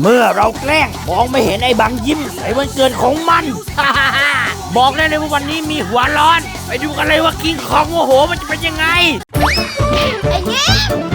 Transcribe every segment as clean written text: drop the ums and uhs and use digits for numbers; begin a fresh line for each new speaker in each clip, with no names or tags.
เมื่อเราแกล้งมองไม่เห็นไอ้บางยิ้มในวันเกิดของมัน บอกได้เลยว่าวันนี้มีหัวร้อนไปดูกันเลยว่ากิ้งของโมโหมันจะเป็นยังไง
ไอ้ยิ้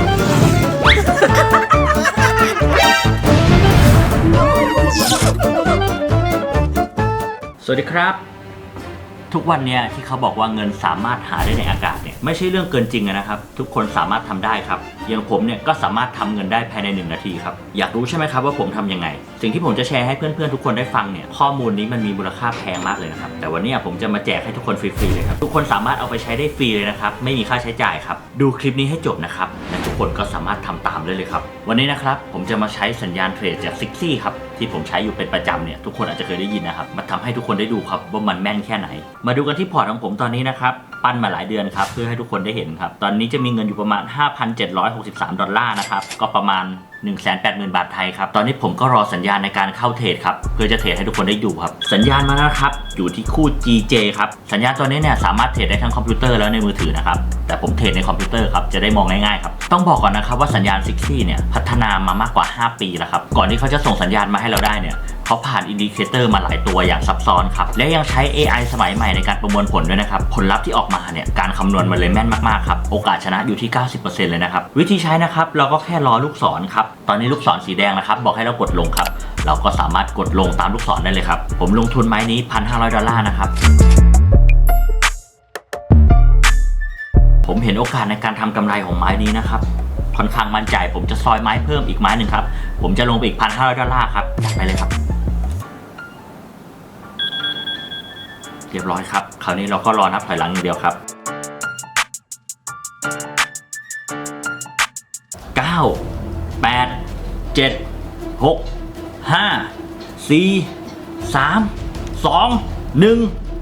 ม
สวัสดีครับทุกวันเนี้ยที่เขาบอกว่าเงินสามารถหาได้ในอากาศเนี่ยไม่ใช่เรื่องเกินจริงนะครับทุกคนสามารถทำได้ครับอย่างผมเนี่ยก็สามารถทำเงินได้ภายใน1 นาทีครับอยากรู้ใช่ไหมครับว่าผมทำยังไงสิ่งที่ผมจะแชร์ให้เพื่อนๆทุกคนได้ฟังเนี่ยข้อมูลนี้มันมีมูลค่าแพงมากเลยนะครับแต่วันนี้ผมจะมาแจกให้ทุกคนฟรีๆเลยครับทุกคนสามารถเอาไปใช้ได้ฟรีเลยนะครับไม่มีค่าใช้จ่ายครับดูคลิปนี้ให้จบนะครับและทุกคนก็สามารถทำตามได้เลยครับวันนี้นะครับผมจะมาใช้สัญญาณเทรดจากซิกซี่ครับที่ผมใช้อยู่เป็นประจำเนี่ยทุกคนอาจจะเคยได้ยินนะครับมาทำให้ทุกคนได้ดูครับว่ามันแม่นแค่ไหนมาดูกันที่พอร์ตของผมตอนนี้นะครับปั้นมาหลายเดือนครับเพื่อให้ทุกคนได้เห็นครับตอนนี้จะมีเงินอยู่ประมาณ $5,763 นะครับก็ประมาณ 180,000 บาทไทยครับตอนนี้ผมก็รอสัญญาณในการเข้าเทรดครับเพื่อจะเทรดให้ทุกคนได้ดูครับสัญญาณมาแล้วครับอยู่ที่คู่ GJ ครับสัญญาณตัวนี้เนี่ยสามารถเทรดได้ทั้งคอมพิวเตอร์แล้วในมือถือนะครับแต่ผมเทรดในคอมพิวเตอร์ครับจะได้มองง่ายๆครับต้องบอกก่อนนะครับว่าสัญญาณซิกซี่เนี่ยพัฒนามามากกว่า5 ปีแล้วครับก่อนที่เขาจะส่งสัญญาณมาให้เราได้เนี่ยเขาผ่านอินดิเคเตอร์มาหลายตัวอย่างซับซ้อนครับและยังใช้ AI สมัยใหม่ในการประมวลผลด้วยนะครับผลลัพธ์ที่ออกมาเนี่ยการคำนวณมันเลยแม่นมากๆครับโอกาสชนะอยู่ที่ 90% เลยนะครับวิธีใช้นะครับเราก็แค่รอลูกศรครับตอนนี้ลูกศรสีแดงนะครับบอกให้เรากดลงครับเราก็สามารถกดลงตามลูกศรได้เลยครับผมลงทุนไม้นี้ $1,500 นะครับผมเห็นโอกาสในการทำกำไรของไม้นี้นะครับค่อนข้างมั่นใจผมจะซอยไม้เพิ่มอีกไม้หนึ่งครับผมจะลงไปอีก$1,500ครับจัดไปเลยครับเรียบร้อยครับคราวนี้เราก็รอนับถอยหลังอย่างเดียวครับ9 8 7 6 5 4 3 2 1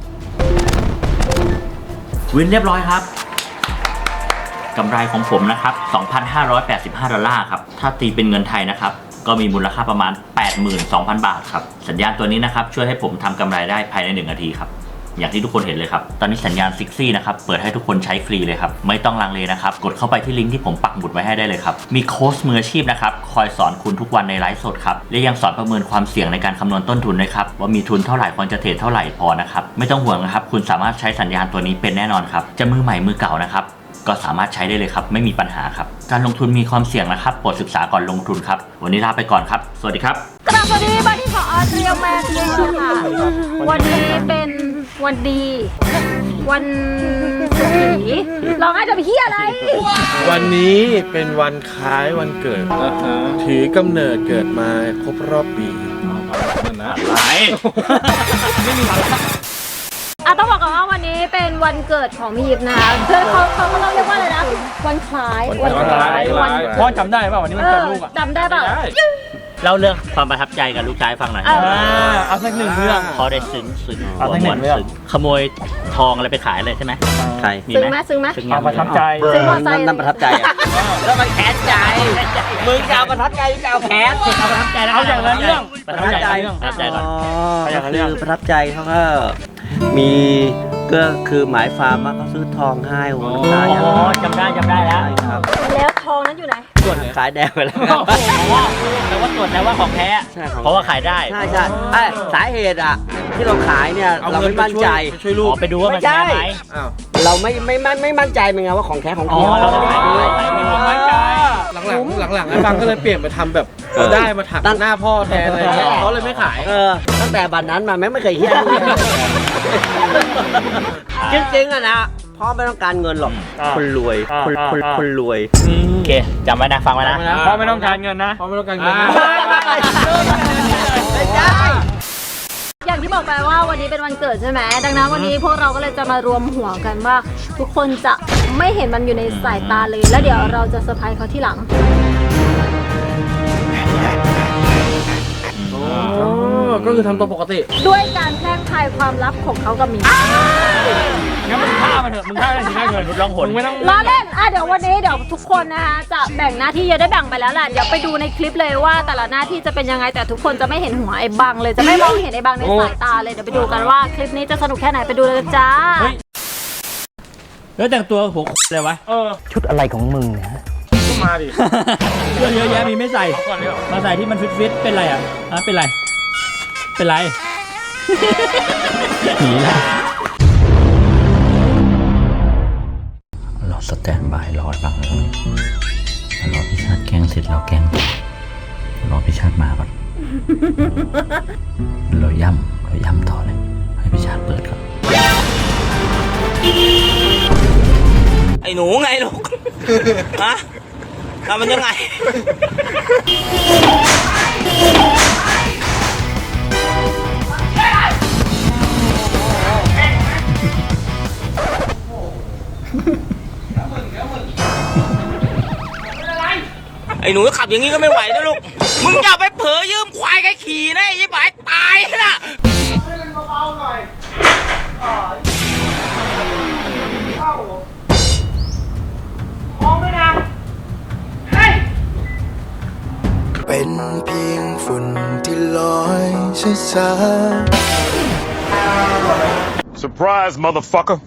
วินเรียบร้อยครับกำไรของผมนะครับ $2,585 ครับถ้าตีเป็นเงินไทยนะครับก็มีมูลค่าประมาณ 82,000 บาทครับสัญญาณตัวนี้นะครับช่วยให้ผมทำกำไรได้ภายใน1 นาทีครับอย่างที่ทุกคนเห็นเลยครับตอนนี้สัญญาณซิกซี่นะครับเปิดให้ทุกคนใช้ฟรีเลยครับไม่ต้องลังเลนะครับกดเข้าไปที่ลิงก์ที่ผมปักหมุดไว้ให้ได้เลยครับมีโค้ชมืออาชีพนะครับคอยสอนคุณทุกวันในไลฟ์สดครับและยังสอนประเมินความเสี่ยงในการคำนวณต้นทุนนะครับว่ามีทุนเท่าไหร่ควรจะเทรดเท่าไหร่พอนะครับไม่ต้องห่วงนะครับคุณสามารถใช้สัญญาณตัวนี้เป็นแน่นอนครับจะมือใหม่มือเก่านะครับก็สามารถใช้ได้เลยครับไม่มีปัญหาครับการลงทุนมีความเสี่ยงนะครับโปรดศึกษาก่อนลงทุนครับวันนี้ลาไปก่อนครับสวัสดีครับ
สวัสดีบางที่ขอเตรียมมาเองค่ะวันนี้เป็นวันดีวันสีเราให้จะไปเฮียอะไร
วันนี้เป็นวันคล้ายวันเกิดถือกำเนิดเกิดมาครบรอบปีนั่นนะอะไรไม่มีอะไร
ต้องบอกก่อนว่าวันนี้เป็นวันเกิดของพี่ยิปนะคะคือเขาเรียกว่าอะไรนะวันคล้าย
พ่อจำได้ป่ะวันนี้มันเกิดลูกอ่ะ
จำได้ป่ะ
เล่าเรื่องความประทับใจกับลูกชายฟังหน่อย
เอาสัก1 เรื่อง
พอได้ซึ้งเอาสัก1 เรื่องขโมยทองอะไรไปขายเลยใช่ไหมใช่
ซึ้งไหม
เอาประทับใจ
ซึ้งมอไซค์
นั่นประทับใจแล้วมันแค้นใจมึงจะเอาประทับใจหรือจะเอาแค้นเอาประทับใจ
เอาอย่างละเรื่อง
ประทับใจก่อน
คือประทับใจเขาก็มีก็คือหมายฟาร์มว่าเขาซื้อทองให้โอ้โห
จำได้แล้ว
ครับ
แล้วทองนั้นอยู่ไหน
ส่วนขายแดงไปแล้ว
แต่ว่าตรวจแล้วว่าของแท้เพราะว่าขายได้
ใช่สาเหตุอ่ะที่เราขายเนี่ยเราไม่มั่นใจ
ช่วยลูก
ไปดูว่ามันแท้ไหม
เราไม่มั่นใจเป็นไงว่าของแท้ของจริง
เราไม่มั่นใจหลังไอ้บางก็เลยเปลี่ยนมาทำแบบได้มาถักหน้าพ่อแทนอะไรเงี้ยเขาเลยไม่ขาย
ตั้งแต่บัดนั้นมาไม่เคยเฮี้ยจริงๆอะนะพ่อไม่ต้องการเงินหรอกคนรวยคนรวย
โอเคจำไว้นะฟังไว้นะ
พ่อไม่ต้องการเงินนะพ่อไม่ต้องการเงิน
อย่างที่บอกไปว่าวันนี้เป็นวันเกิดใช่ไหมดังนั้นวันนี้พวกเราก็เลยจะมารวมหัวกันว่าทุกคนจะไม่เห็นมันอยู่ในสายตาเลยแล้วเดี๋ยวเราจะเซอร์ไพรส์เขาที่หลัง
ก็คือทำตัวปกติ
ด้วยการแพร่งพายความลับของเขากับมี
งั้นมึงฆ่ามันเถอะมึงฆ่าได้ถึงได้เงินลองหนไม่ต้อง
ล้อเล่นเดี๋ยววันนี้เดี๋ยวทุกคนนะคะจะแบ่งหน้าที่ได้แบ่งไปแล้วแหละเดี๋ยวไปดูในคลิปเลยว่าแต่ละหน้าที่จะเป็นยังไงแต่ทุกคนจะไม่เห็นหัวไอ้บังเลยจะไม่มองเห็นไอ้บังในสายตาเลยเดี๋ยวไปดูกันว่าคลิปนี้จะสนุกแค่ไหนไปดูเลยจ้า
แล้วแต่งตัวหัวเลยวะ
ชุดอะไรของมึงเนี่ย
มาดิ
เสื้อเยอะแยะมีไม่ใส่
ก่อนเดี๋ยว
มาใส่ที่มันฟิตๆเป็นไรอ่ะเป็นไร เป็นไร หนีแล้วเราสแตนบายรอฟังเลยรอพี่ชาติแกล้งเสร็จเราแกล้งต่อรอพี่ชาติมาก่อน เราย่ำต่อเลย ให้พี่ชาติเปิดครับ
ไอ้หนูไงลูก ฮะทำมันยังไง ไอ้หนูขับอย่างนี้ก็ไม่ไหวนะลูก มึงอย่าไปเผลอยืมควายใครขี่นะไอ้ยี่ปายตายนะ
เป็นเพียงฝุ่นที่ลอยช้าๆ
Surprise, motherfucker.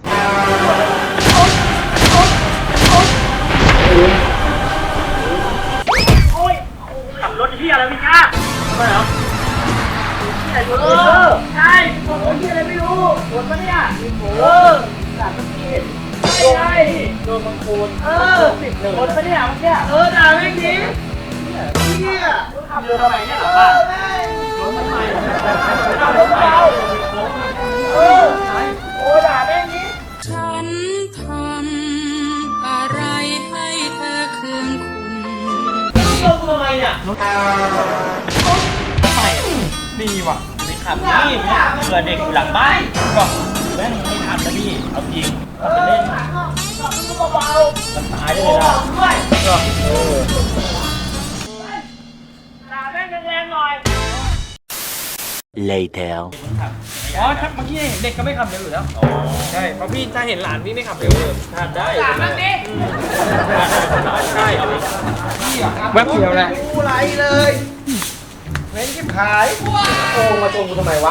ฉันทำอะไรให้เธอเคืองคุณ
นี่ว่ะไม่ขับนี่เผื่อเด็กอยู่หลังบ้านก็แม่งไม่ทันนะพี่เอาจริงทำไปเล่นมันตายได้เลยนะ
อ๋อถ้าเมื่อกี้เห็นเด็กก็ไม่ขับเร็วอยู่แล้วใช่เพราะพี่ถ้าเห็นหลานพี่ไม่ขับเร็วเลย
ทานได้
ใช่แวบเดียวแหละกูไรเลยเว้นชิบหายโอ้มาชมกูทำไมวะ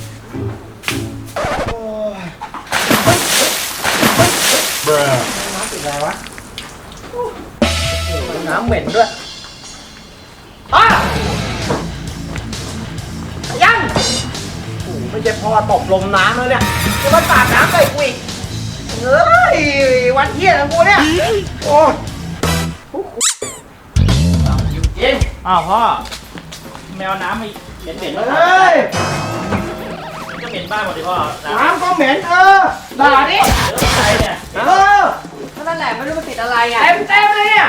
น้ำติดอะไรวะน้ำเหม็นด้วยยังโอ้ไม่ใช่พอตบลมน้ำแล้วเนี่ยจะมาสาดน้ำใส่กูอีกเฮ้ยวันเที่ยงของกูเนี่ยโอ้ย
อ้าวพ่อแมวน้ำไม่เหม็นๆ
เฮ้ย
ก็เหม็นบ้านหมดดิพ่อ
น้ำก็เหม็นด่าดิ
ใครเนี่ย
นั่นแหละไม่รู้มันติดอะไรอ่ะ
เต็มเลยเนี่ย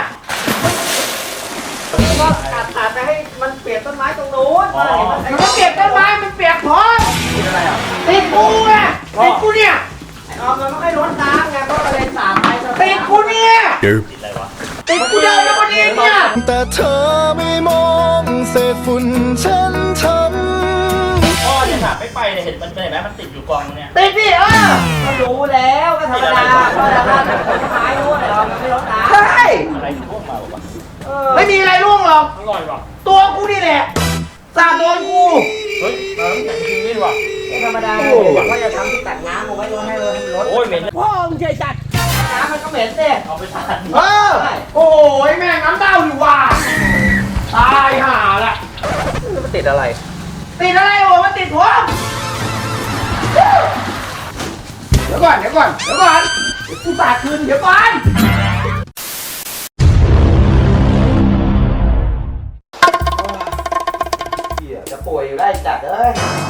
ก็ตัดไปให้มันเปียกต้นไม้ตรงนู้นมันก็เปียกต้นไม้มันเปียกพร้อมติดกูไงติดกูเนี่ยเอามันไม่ค่อยล้นน้ำไงก็เลยสาดไปติดกูเนี่ย
ติดอะไรวะ
ติดกูเดินแล้วคนนี้เนี่ย
แต่เธอไม่มองเศษฝุ่นฉันทำ
พ่อเนี่ยค่ะไม่ไปเนี่ยเห็นมันเห็นไหมมันติดอยู่กองเนี่ย
ติดดิก็รู้แล้วก็ธรรมดาก็ธรรมดาต้นไม้รู้เลยมันไม่ล้นน้ำใช่
อะไรท่วมมาวะ
ไม่มีอะไรร่วงหรอก
อร่อยว่ะ
ตัวกูนี่แหละสาดโดนกู
เฮ้ยน้ำแข็งจริงด้วยว่ะ
ธรรมดาก็จะทำที่ตัดน้ำเอาไว้ให้เลยรถ
โอ้ยเหม็น
พ่อมึงเฉยจัดน้ำมันก็เหม็นสิ
เอาไปทาน
โอ้ยแม่งน้ำเต้าอยู่ว่ะตายห่าละมันติดอะไร ติดอะไรโอ้มันติดหัวเดี๋ยวก่อนเดี๋ยวกูสาดคืนเดี๋ยวก่อนจะป่วยอยู่ได้จัดเลย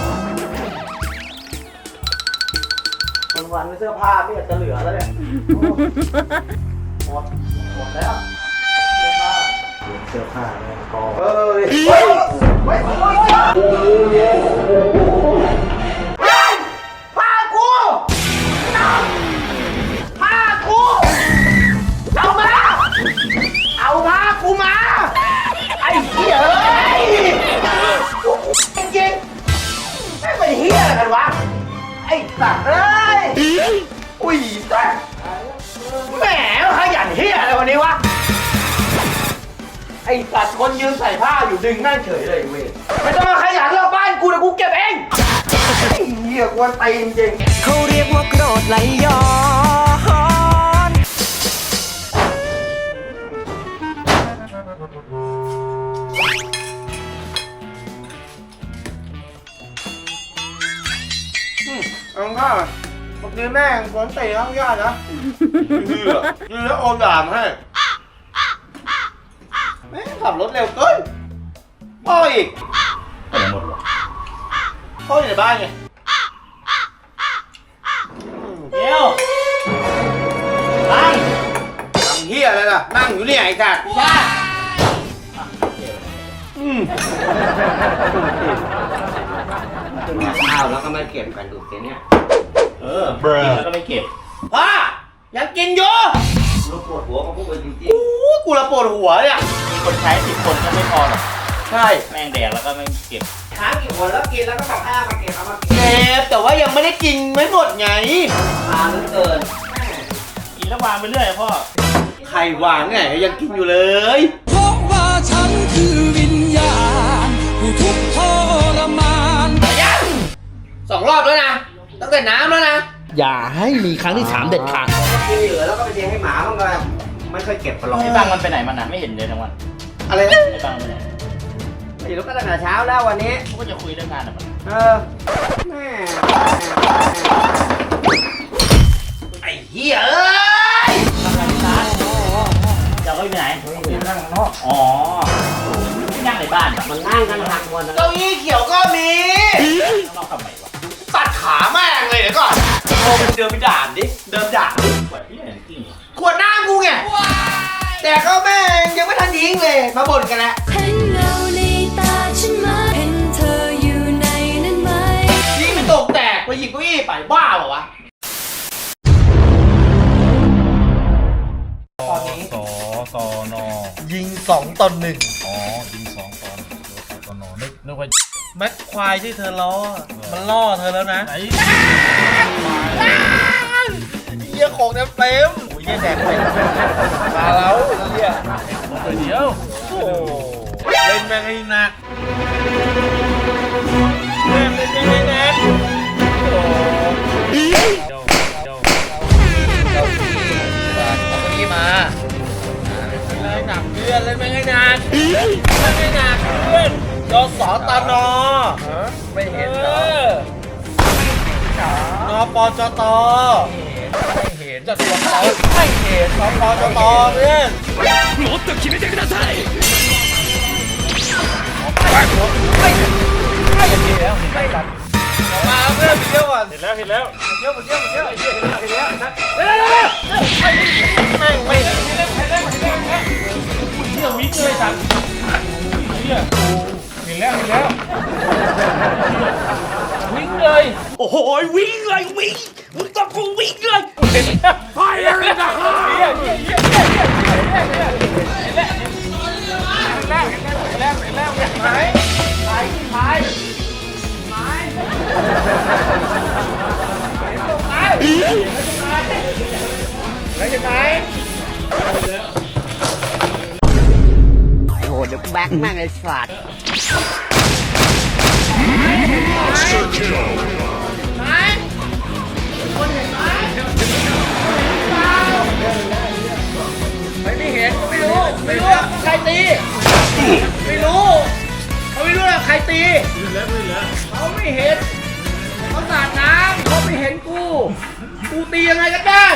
วันๆเสื้อผ้าไม่อยากจะเหลือแล้วเนี่ยหมดแล้วเสื้อผ้าเนี่ยกองผ้ากูเอาผ้ากูมาไอ้เหี้ยเอ้ยจริงๆไม่เป็นเหี้ยอะไรกันวะไอ้สัตว์เอ้ยอุ้ยสัตว์แหมขยันเหี้ยอะไรวันนี้วะไอ้สัตว์คนยืนใส่ผ้าอยู่ดึงนั่งเฉยเลยเว้ยไม่ต้องมาขยันรอบบ้านกูนะกูเก็บเองไอ้เหี้ยกวนตีนจริง
เขาเรียกว่าโกรธไหลย้อน
เอาข้าวเมื่อกี้แม่งสวนเตะข้างญาตินะยืนแล้วโอนด่ามให้แม่งขับรถเร็วเกินพ่ออีก
ไปไหนหมดวะ
พ่ออยู่ในบ้านไง
เดี๋ยวนั่ง
ทำเฮียอะไรล่ะนั่งอยู่เนี่ยไอ้สัตว์
ย่า
ข้าวแล้วก็ไม่เก็บกันดูสิเนี่ย
กินแล้วก็ไม่เก็บ
พ่อยังกินอยู่
เราปวดหัวมาพูดกันจริง
กูละปวดหัวเนี่ย
มีคนใช้10 คนก็ไม่พอหรอก
ใช่
แม่งแดกแล้วก็ไม่เก็บ
ๆค้างกี่คนแล้วกินแล้วก็บอกให้เอามาเก็บเอามาเก็บ
เจ็บแต่ว่ายังไม่ได้กินไม่หมดไง
ทานเหลือเกิน
กินแล้ววางไปเรื่อยพ่อ
ใครวางไงยังกินอยู่เลย
เพราะว่าฉันคือวิญญาณผู้ทุกข์ทรมาน
ยัง2 รอบแล้วนะตั้งแต่น้ำแล้วนะ
อย่าให้มีครั้งที่ 3 เด็ดขาด
กินเหลือแล้วก็ไปเลี้ยงให้หมาบ้างก็ไม่ค่อยเก็บกันหรอก
ไอ้บังมันไปไหนมันนะไม่เห็นเลยทั้งวัน
อะไรนะ
ไอ้บังไปไหน
ไม่รู้ก็ตั้งแต่เช้าแล้ววันนี้
เขาก็จะคุยเรื่องงานอะมัน
แม่
ไอ้เหี้ยเอ้ย
ทำงานที่ร้านจะเอาไปไหนนั่งข้างนอกอ๋อไม่นั่งในบ้านอะ
มันนั่งกันหักหมดนะ
เก้าอี้เขียวก็มี
ข้างนอกทำไมวะ
ตัดขาแม่งเลยเดี๋ยวก่อนโทรไปเดินไปด่านดิเดินด่านดิ
ปวดที่ไหนกิ้งวะ
ขวดน้ำกูไงแต่ก็แม่งยังไม่ทันทิ้งเลยมาบ่นกันแล้ว
เห็นเงาในตาฉันไหมเห็นเธออยู่ในนั้นไหม
ยิงไปตกแตกไปหยิบเก้าอี้ไปบ้าเปล่าวะ
ตอนอ
ยิง2 ต่อ 1
อ๋อยิง2 ตอนอนึกว่า
แม็กควายที่เธอล้อมันล่อเธอแล้วนะ
ไหน
เหี้ยของเต็มโอ้ยเหี้ยแดกไปมาแล้วเหี้ย
เดี๋ยว
โอ้เล่นแม่งให้หนักเล่นแม่งให้หนักโอ้
เจ้า
เอาเก้าอี้มาเล่นหนักเพื่อนเล่นแม่งให้หนักเล่นแม่งให้หนักเพื่อนจสตนไม่เห็นเหรอนปจตไม่เห็นจสตไม่เห็นนปจตเพื่อนもっと決めてくださいไม่เห็นแล้วไม่กันมาเพื่อนเที่ยวก่อน
เห็นแล้ว
เที่ยวเที่ยวเร็วไม่ไม่เห็น
เที่ยววิ่งเลยสัตว์เที่ยวเห็นแล้ววิ่งเลย
โอ้โหวิ่งเลยวิ่งมึงต้องกูวิ่งเลยไปเลยนะฮะ
โอ้โหเดี๋ยวแบกแม่งไอ้สัตว์
ไม่เห็นไม่รู้ใครตีไม่รู้เขาไม่รู้ว่าใครตีเขาไม่เห็นเขาสาดน้ำเขาไม่เห็นกูตียังไงก็ได้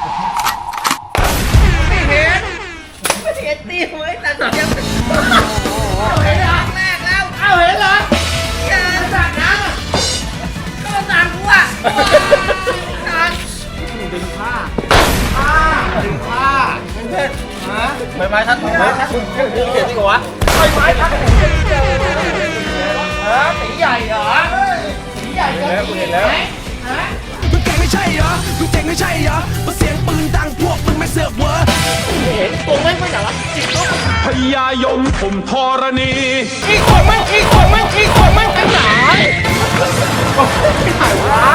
ไม่เห็นตีเฮ้ยแต่ตอนยังเห็นครั้งแรกแล้วเอาเห็นเหรออย่าสาดน้ำอ่ะก็สาดกูอ่ะสาดดึงผ้าเพื่อนฮะไม้ทัดคุณเขียนจริงเหรอวะไม้ทัดตีใหญ่เหรอตีใหญ่ก็ตีไหมฮะ
มึงเก่งไม่ใช่เหรอมึงเก่งไม่ใช่เหรอมาเสียงปืนดังพวกมึงไม่เสือกเวอร์
เห็นตัวไม่ไหนวะจิกโลก
พยายมผมธรณี
อีกคนมันไปไหนไปไหนวะ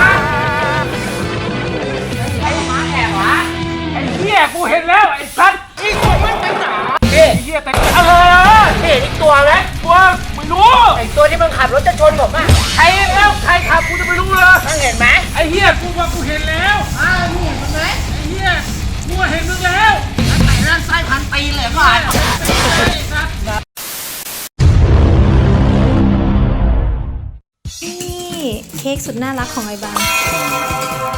ไอ้หมาแอบวะไอ้เหี้ยกูเห็นแล้วไอ้สัตว์อีกคนมันไปไหนไอ้เหี้ยแต่เห็นอีกตัวไหมตัวไม่รู้ไอ้ตัวที่มันขับรถจะชนผมอ่ะใครขับกูจะไม่รู้เลยมึงเห็นไหมไอ้เหี้ยกูว่ากูเห็นแล้วมึงเห็นมึงไหมไอ้เหี้ยกูเห็นมึงแล้วไอ้นั่นไส้พันปีเลยก่อน
นี่เค้กสุดน่ารักของไอ้บาง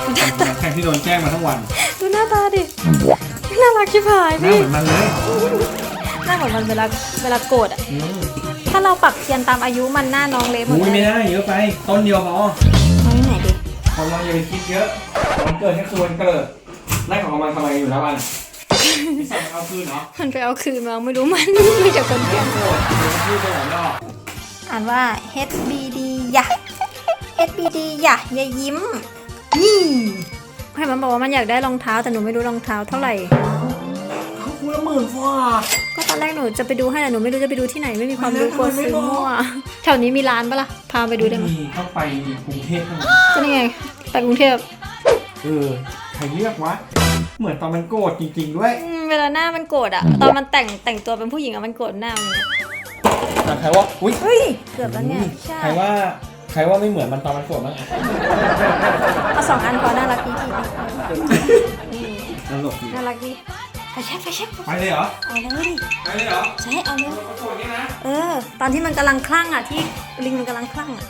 แข่งที่โดนแกล้งมาทั้งวัน
ดูหน้าตาดิน่ารักชิบหาย
หน้า
พี่
เหมือนมันเลย
หน้าเหมือนมันเวลาโกรธอ่ะถ้าเราปักเทียนตามอายุมันหน้าน้องเละหมด
อุ้ย
เล
ไม่
ย
ได้เยอะไป ต้นเดียวพอ
เอาที่ไหนดิ
ของเราอย่าไปคิดเยอะวันเกิดแค่คือวันเกิดไล่ของมันทำไมอยู่นะวันพี่สั่งเอาคืนเหรอ
มันไปเอาคืนมาไม่รู้มัน มีแต่คนเกลียด
โกรธพี่ไปไหนรอบ
อ่านว่า HBD ยะ HBD ยะอย่ายิ้มนี่ให้มันบอกว่ามันอยากได้รองเท้าแต่หนูไม่รู้รองเท้าเท่าไหร่
คู่ละ10,000ฟ้า
ก็ตอนแรกหนูจะไปดูให้แต่หนูไม่รู้จะไปดูที่ไหนไม่มีความรู้กลัวซื้อมั่วแถวนี้มีร้านปะล่ะพาไปดูได้ไหม
มีต้องไปกรุงเทพเท่านั้น
ก็นี่ไงไปกรุงเทพ
ใครเรียกวะเหมือนตอนมันโกรธจริงๆด้วย
เวลาหน้ามันโกรธอะตอนมันแต่งตัวเป็นผู้หญิงอะมันโกรธหน้ามันเนี่ย
แต่ใครว่าอุ้ย
เฮ้ยเกือบแล้วเนี่ยใช่
ใครว่าไม่เหมือนมันตอนมันโกรธบ้างอ่ะ
เอา2 อันพอน่ารักดีพี่
ตลกดี
น่ารักดีไฟแช็ก
ไปเลยเหรอ
เอาเลย
ไปเลยเหรอ
ใช่เอาเลย
โกรธเนี่ยนะ
ตอนที่มันกำลังคลั่งอะที่ลิงมันกำลังคลั่งอะ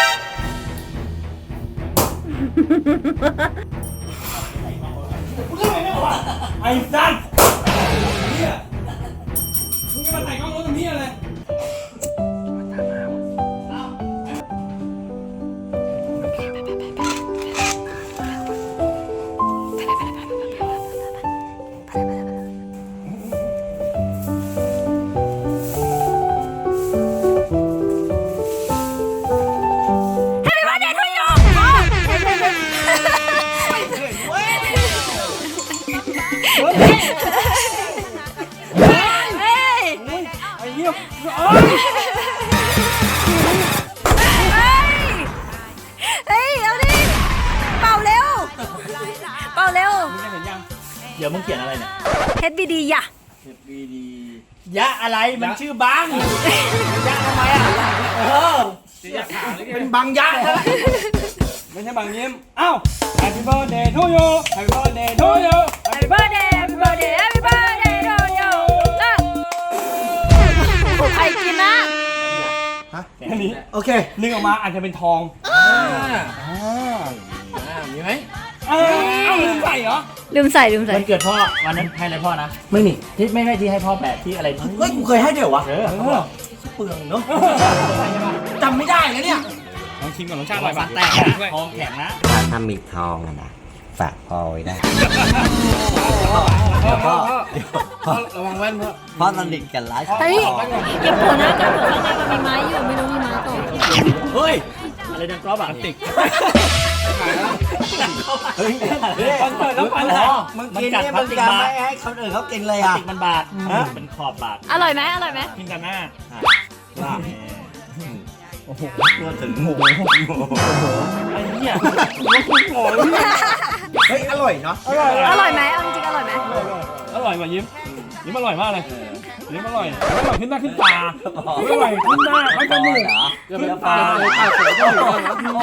ไอ้สัตว์เนี่ยมึงจะมาถ่ายกล้องรถทำเหี้ยอะไร ไอ้เหี้ย
เฮ้ยเอาดิเป่าเร็วเป่าเร็ว
มึงจะเห็นยัง
เดี๋ยวมึงเขียนอะไรเนี่ย
HBD ยะ
ยะอะไรมันชื่อบังยะทำไมอ่ะเป็นบังยะนะ
ไม่ใช่บางยิ้มอ้าว Happy birthday to you Happy birthday to you
Happy birthday Happy birthday Happy birthday to you ใครกินนะ
อันนี้
โอเค
นึกออกมาอาจจะเป็นทอง
มีไหม
เอ้าลืมใส่เหรอ
ลืมใส่
วันเกิดพ่อวันนั้นให้อะไรพ่อนะ
ไม่มี
ที่ไม่ที่ให้พ่อแปะที่อะไร
เฮ้ย กูเคยให้ด้วยเหรอวะ
เออ
เปลืองเนาะจำไม่ได้นะเนี่ย
ลองชิมก่อนรสชาติอร่อยปะ
แตกทองแข็งนะ
ถ้ามีทองอะนะฝากพอไว้ได้
ระวังแว่นเพื่อ
เพราะสนิทกันหลาย
เฮ้ยอย่าโผล่หน้ากันเถอะข้างในมันมีไม้อยู่ไม่รู้มีไม้ต่อ
เฮ้ย อะไรดังกรอบอ่ะติก
เฮ้ย
ตอนเปิดแล้วปันหา
มึงกินเนี่ยมึงจะไม่ให้คนอื่นเขากินเลยอ่ะ
ติกมันบาดเป็นขอบบาด
อร่อยไหม
กินกันหน้า
ตัวถึงหมู
ไอ้เนี่ย
เฮ้ย อร่อยเนาะ
อร่อยไหมเอาจริงๆอร่อยไหม
อร่อยกว่ายิ้มอร่อยมากเลยยิ้มอร่อยขึ้นหน้าขึ้นตาอร่อยขึ้นหน้าขึ้นจมูกขึ้นตาเลยตาสวยก็อยู่แล้วพี่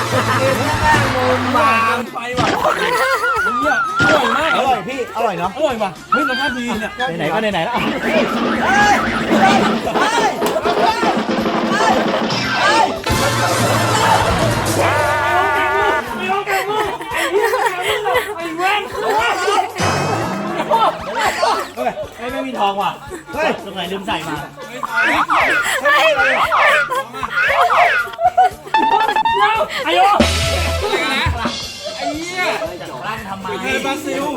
มาไปว่ะเนี่ยอร่อยมาก
อร่อยพี่ อร่อยเนาะ
อร่อยว่ะเฮ้ยรสชาติดีเนี่ย
ไหนๆก็ไหนๆแล้ว ไม่มีทองว่ะเฮ้ยตรงไหนลืมใส่มา
ไอ้โย
ร่างทำไม
เทบราซิล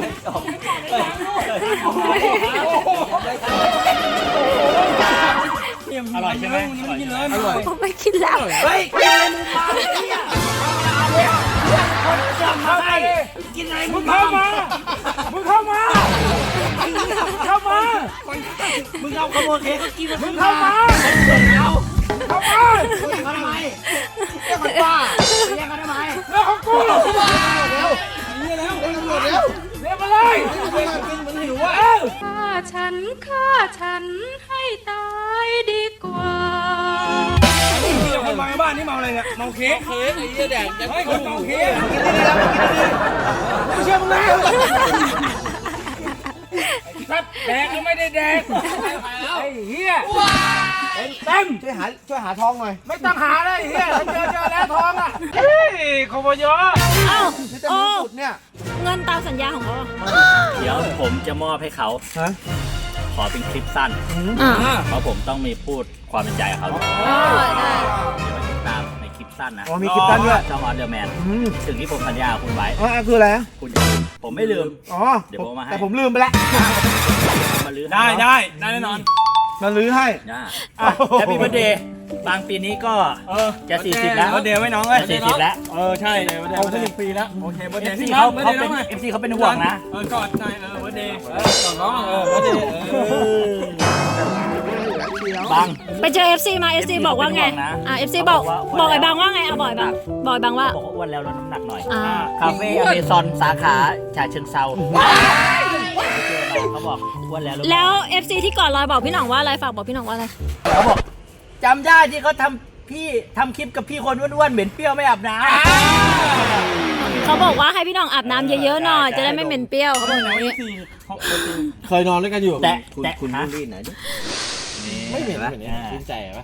อร่อยใช่ไหมอร่อยอร่อย
ผมไม่กินแล้ว
เฮ้ยกินอะไรมึงมาเนี่ยคนจะมาให้กินอะไรมึ
มึ
ง
งเข้ามามึงเข้ามาเข้ามา
มึงเอาขโมยเค้กก็กิน
มึงเข้ามา
เอา
เข้ามา
ทำไมเรียกมันป้าเรียกกันทำไม
เรื่องของกู
เร็ว
เรียกมาเลย
มันหิวอ่ะ
ฆ่าฉันให้ตายดีกว่า
เดี๋ยวคนมาบ้านนี่เมาอะไรเนี่ยเมาเค้ก
ไอ้เหี้ยแดกจะ
เฮ้ยคนเมาเค้ก
ไม่เชื่อมึงแล้ว
สัตว์แดกก็ไม่ได้แดกไอ้เหี้ยเต็ม
ช่วยหาทองหน่อย
ไม่ต้องหาเลยไอ้เหี้ยเจอแล้วทองอ่ะเฮ้ยขบยอ
เอ้า
นี่จะ
โอ้
มีสุดเนี่ย
เงินตามสัญญาของเขาอะ
เดี๋ยวผมจะมอบให้เขา
ฮะ
ขอเป็นคลิปสั้น เพราะผมต้องมีพูดความเป็นใจกับเขาด้วย
ได้
เดี๋ยวไปติดตามในคลิปสั้นนะ
อ๋อมีคลิปสั้นด้วย
ช่องออนเดอร์แมนสิ่งที่ผมสัญญากับคุณไว้
อ๋อคืออะไรอะ
คุณผมไม่ลืม
อ๋อ
เดี๋ยวผมเอามาให้
แต่ผมลืมไปแล้ว
มาลื้อ
ได้
ให้
ได้แน่นอน
มาลื้อให้
ได้แฮปปี้เบิร์ดเดย์บางปีนี้ก็จะ40แล้ว
เดี๋ยวไว้น้องเอ้ย
จะ40แล้ว
ใช่เอาไป1 ปีแล้วโอเคเบอร์เดย์
FC เขาเป็น FC เขาเป็นห่วงนะ
กอดหน่อยเบอร์เดย์กอดน้องเบอร์เดย์
บาง
ไปเจอ FC มา FC บอกว่าไง FC บอกไอ้บางว่าไงเอาบอกไอ้บางบอกไอ้บางว่า
บอกว่าอ้วนแล้วลดน้ำหนักหน่อย
อ่า
คาเฟ่อเมซอนสาขาฉะเชิงเซาเขาบอกอ้วนแล้ว
แล้ว FC ที่ก่อนลอยบอกพี่หน่องว่าอะไรฝากบอกพี่หน่องว่าอะไร
เขาบอกจำได้ที่เขาทำคลิปกับพี่คนอ้วนๆเหม็นเปรี้ยวไม่อาบน้
เขาบอกว่าให้พี่หน่องอาบน้ำเยอะๆหน่อยจะได้ไม่เหม็นเปรี้ยวเขาบอกอย่างนี้
เคยนอนด้วยกันอยู่
ำแต่แต่
คุณ
ฮะ
บูลลี่ไหนอยดิ
ไม่เห็นไหมชื่นใจไหม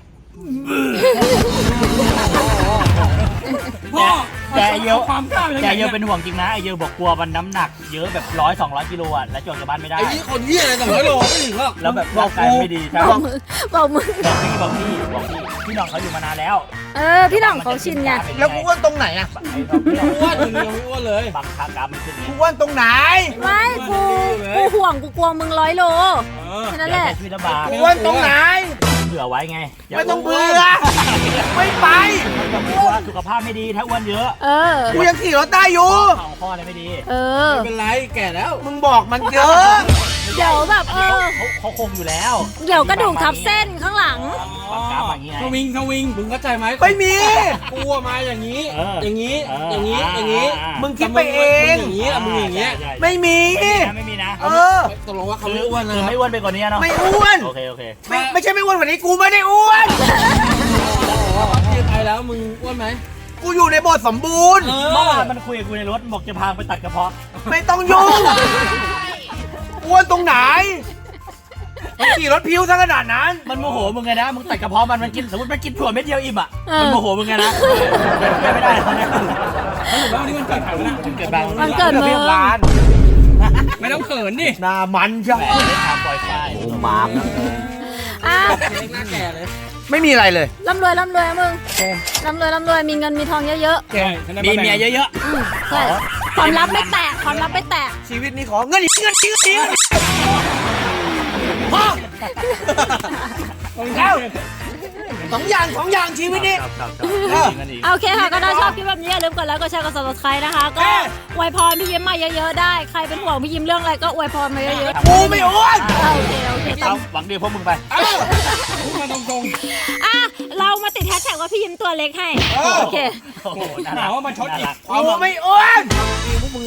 แต่ไอ้เยอะ
ความกล้า
แต่ไอ้เยอะเป็นห่วงจริงนะไอเยอะบอกกลัวมันน้ำหนักเยอะแบบ100-200 กิโลอ่ะแล้วจอดจากบ้านไม่ได้
ไอ้นี่คนเหี้ยอะไร200 โลไม่ถึงหรอก
แล้วแบบร่างกายไม่ดีใช่ไหม
บอกมือ
บอกพี่น้องเขาอยู่มานานแล้ว
พี่หน่องเขาชินไง
แล้วกูอ้วนตรงไหนอะ
อ้วนยังไม่อ้วนเลย
บางคากราฟมันขึ้น
กูอ้วนตรงไหน
ไม่กูห่วงกูกลัวมึง100 โลแค่นั้นแหละ
ชีวิตลำบาก
กูอ้วนตรงไหน
เผื่อไว้ไง
ไม่ต้องเบื่อ ไม่ไป
กลัวสุขภาพไม่ดีถ้าอ้วนเยอะ
กูยังขี่รถได้อยู่
เข่าข้ออะไรไม่ดี
ไม่เป็นไรแก่แล้ว
มึงบอกมันเยอะ
เดี๋ยวแบบ
เขาคงอยู่แล้ว
เดี๋ยวกระดูกทับเส้นข้างหลัง
บางกราฟอย่างเงี้ย
ทวิงมึงเข้าใจไหม
ไม่มี
กูมาอย่างนี้
เออ
อย่างนี้
เออ
อย่างนี้
อ่า
อย่างนี้
มึงคิดไปเอง
อย่างนี้มึงอย่างนี้
ใช่
ไม่มี
ไม่มีนะ
เออ
ตกลงว่าเขาไม่อ้วนนะ
คือไม่อ้วนไปกว่านี้เนาะ
ไม่อ้วน
โอเค
ไม่ใช่ไม่อ้วนกว่านี้ กูไม่ได้อ้วน
ที่ไปแล้วมึงอ้วนไหม
กูอยู่ในบทสมบูรณ์
เมื่อวานมันคุยกับกูในรถบอกจะพาไปตัดกระเพาะ
ไม่ต้องยุ่ง อ้วนตรงไหนมันขี่รถพิ้วซะขนาดนั้น
มันโมโหมึงไงนะมึงตัดกระเพาะมันกินสมมติมันกินถั่วเม็ดเดียวอิ่มอ่ะมันโมโหมึงไงนะไม่ได้เขาเนี่ย
แล้ววันนี้มันเกิดใครวะเนี่ย
เกิดบาง
มันเกิดมึง
ไม่ต้องเขินดิ
หน้ามันใช่
แหมเล่นทางปล่อยไฟ
โอ้มาม
อ่ะ
เล็กหน้าแก่เลย
ไม่มีอะไรเลย
ร่ำรวยร่ำรวยอะมึงร่ำรวยมีเงินมีทองเยอะ
ใช่
มีเมียเยอะ
ๆใช่ความลับไม่แตกความลับไม่แตก
ชีวิตนี้ขอเงินอีกพ่อแล้วสองอย่างชีวิตนี้
โอเคค่ะ ก็ถ้าชอบคลิปแบบนี้อย่าลืมกดไลค์กดแชร์กด subscribe นะคะ ก็อวยพรพี่ยิ้มมาเยอะๆได้ ใครเป็นห่วงพี่ยิ้มเรื่องอะไรก็อวยพรมาเยอะๆ
กูไม่อ้วน
โอเค
ๆเอาหวังดีพวกมึงไป
พูดมาตรง
อ่ะเรามาติดแฮชแท็กว่าพี่ยิ้มตัวเล็กให้ โอเค
โอ้โหน่า
ๆ
รั
ถาก มว่ามันชดอีก
กูไม่อ้วน
เ